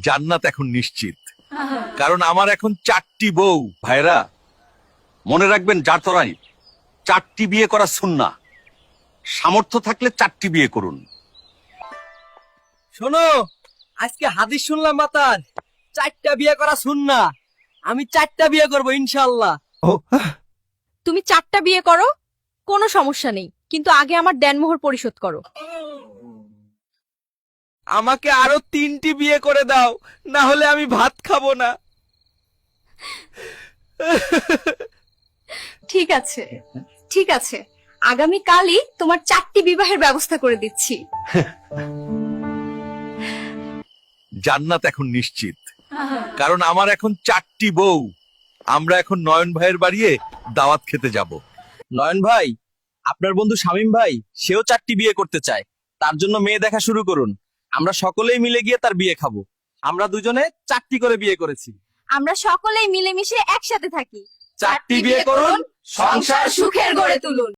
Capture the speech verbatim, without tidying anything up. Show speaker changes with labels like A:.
A: জান্নাত এখন নিশ্চিত, কারণ আমার এখন চারটি বউ। ভাইরা মনে রাখবেন, জাতরাই চারটি বিয়ে করা সুন্নাহ। সামর্থ্য থাকলে চারটি বিয়ে করুন।
B: শোনো, আজকে হাদিস শুনলাম মাতার চারটা বিয়ে করা সুন্নাহ। আমি চারটা বিয়ে করব ইনশাআল্লাহ।
C: তুমি চারটা বিয়ে করো, কোনো সমস্যা নেই, কিন্তু আগে আমার দেনমোহর পরিশোধ করো।
B: আমাকে আরো তিনটি বিয়ে করে দাও, না হলে আমি ভাত খাবো না।
C: ঠিক আছে, ঠিক আছে, আগামী কালই তোমার চারটি বিবাহের ব্যবস্থা করে দিচ্ছি।
A: জান্নাত এখন নিশ্চিত, কারণ আমার এখন চারটি বউ। আমরা এখন নয়ন ভাইয়ের বাড়িয়ে দাওয়াত খেতে যাব।
B: নয়ন ভাই, আপনার বন্ধু শামীম ভাই সেও চারটি বিয়ে করতে চায়। তার জন্য মেয়ে দেখা শুরু করুন। আমরা সকলেই মিলে গিয়ে তার বিয়ে খাবো। আমরা দুজনে চারটি করে বিয়ে করেছি।
C: আমরা সকলেই মিলেমিশে একসাথে থাকি।
B: চারটি বিয়ে করুন, সংসার
C: সুখের গড়ে তুলুন।